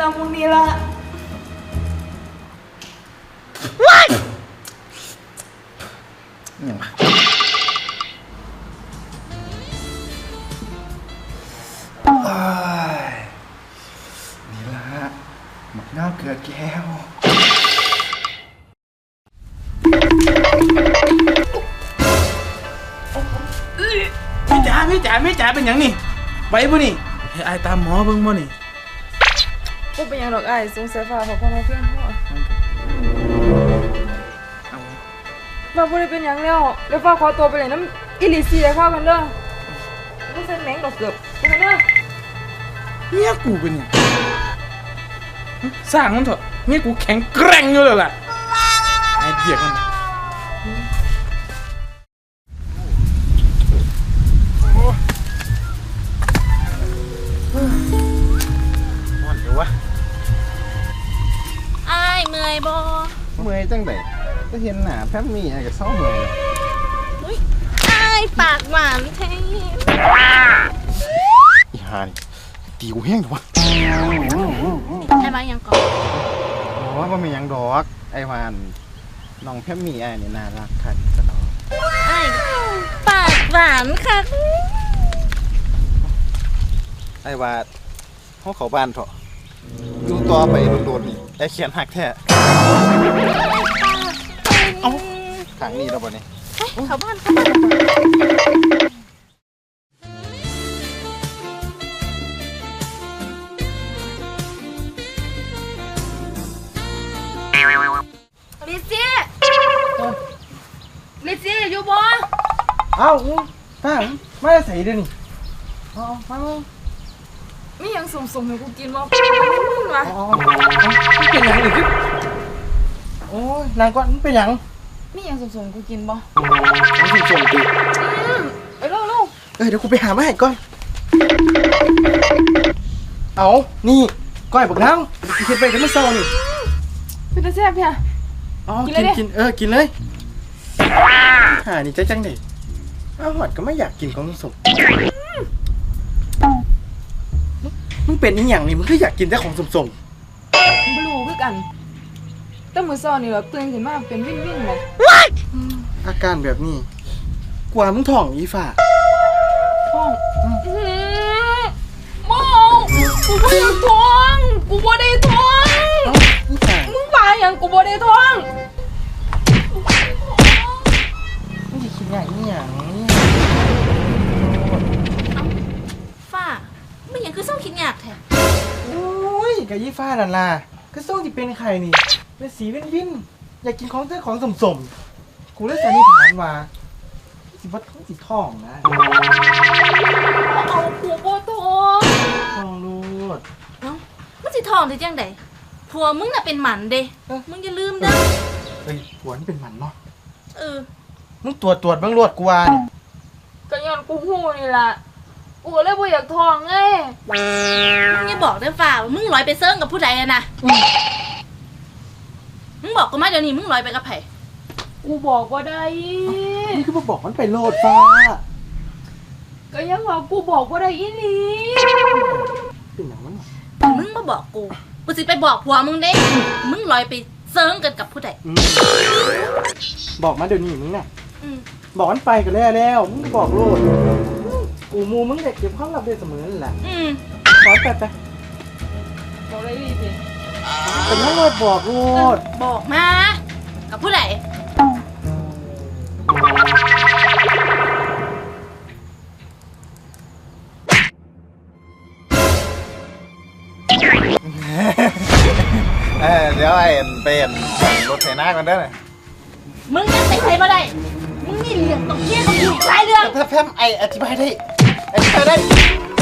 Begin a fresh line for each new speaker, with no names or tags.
ละมึงนี่ละ
อย่างวะนี่ละหมักน้าเกลือแก้ว
ไม่จ๋าเป็นอย่างนี่ไว้บ่นี่ให้อายตามหมอเบิ่งบ่นี่
บ่เป็นหยังดอกอ้ายสงสัยฟ้าเพราะพ่อมาเพียงพ่อว่าบ่ได้เป็นหยังแล้วฟ้าขอตัวไปเลยน้ำอิลิเซียเข้ากันเด้อไม่ใช่แมงดอกเกือบไปกันเด้อ
เมียกูเป็นหยังสร้างมันเถอะเมียกูแข็งแกร่งอยู่แล้วล่ะไอ้เดียกมันมันเดี๋ยววะ
อ้ายเมื่อยบ่
เมื่อยจังไดก็เห็นหน้าแพมมี่ไอ้ก็เศร้าเมื่อยแล้ว
อุ้ยอ้ายปากหวานแท้
อีห่านี่ตีกูแห้งเถอะวะ
ไอ้บ้ายังก่อน
อ๋อว่ามีหยังดอกไอ้วานน้องแพมมี่ไอ้นี่น่ารักคักตลอด
อ้ายปากหวานค่ะ
ไอ้ว่าเขาเข้าบ้านเถอะอยู่ต่อไปโดนๆนี่ไอ้เขียนหักแท้เอ้าทางนี้แล้วบ่นี่
เข้าบ้านลิซี่อยู่บ่
เอ้าตั้งไม่ได้ใส่เดี๋ยวนี้เอามา
มีหยังสุ่มๆให้กูกินบ่มึงวะ
มันเป็นหยังอีกโอ้ยนางก่อนมันเป็นหยัง
มีหยังสุ่มๆให้กูกินบ่
มันสิส่งดิ
ไปเร็ว
เดี๋ยวกูไปหามาให้ก่อนเอานี่ก้อยบักนางกูคิดไปแต่เมื่อเช้านี่
ๆเป็นตาแซ่บเพีย
อ๋อ
กินเลยดิ
กินกินเลยนี่ใจจังเด็อ้าวหอดก็ไม่อยากกินของสมมึงเป็นอีหยังนี่มึงก็อยากกินแต่ของสม
บ่รู้คือกันแต่มื้อเช้านี่แบบตื่นขึ้นมาเป็นวินๆแหม
ๆอาการแบบนี้กว่ามึงท้องอีฝ่า
ท้องมองกูบ่ได้ท้องกูบ่ได้ท้อง
อีฝ่า
มึงว่าหยังกูบ่ได้ท้อง
มึงจะคิดอย่างนี้อย่างนี้
ฝ้าไม่ยังคือเศร้าคิดยากแท้
โอ้ยกับยี่ฟ้านั่นล่ะก็ส่งที่เป็นไข่นี่เป็นสีวินอยากกินของแต่ของสมกูเลยสันนิษฐานว่าสิว่าท้องสิท้องนะ
เอากูบ่ท้อง
ท้องรูด
เนาะมันสิทองได้จังไดผัวมึงน่ะเป็นหมันเด้มึงอย่าลืมเด้อ
เฮ้ยหัวนี่เป็นหมันเนาะ
เออ
มึงตรวจเบ้างรวดกูว่าเนี่ย
ก็ย้อนกูฮู้นี่ล่ะกูก็เลยบ่อยากท้องไง
มึงอย่าบอกเด้อฝ้าว่ามึงลอยไปเซิร์งกับผู้ใดอะนะมึงบอกกูมาเดี๋ยวนี้มึงลอยไปกับไผ
กูบอกบ่ได้
นี่คือมาบอกมันไปโลดฟ้า
ก็ยังว่ากูบอกบ่ได้อีหลี
เป็นอย่างนั้นเหรอ
มึงมาบอกกูสิไปบอกผัวมึงเด้มึงลอยไปเซิร์งกันกับผู้ใด
บอกมาเดี๋ยวนี้มึงน่ะ
อืม
บอกมันไปกันแล้วมึงบอกโลดกูมูมึงเด็กเก็บความลับได้เสมอนั่นแหละ
อืม
ขอไป
บอกได้อีหลีสิ
เป็นทั้งโลดบอกโลด
บอกมากับผู้ใด
เดี๋ยวไอ้เป็นรถไถนากันเด้อ
มึงยังใส่ใครมาได้มึงนี่เรื่องต้องเคลียร์กับกูหลายเรื่อง
ถ้าแพมไอ้อธิบายได้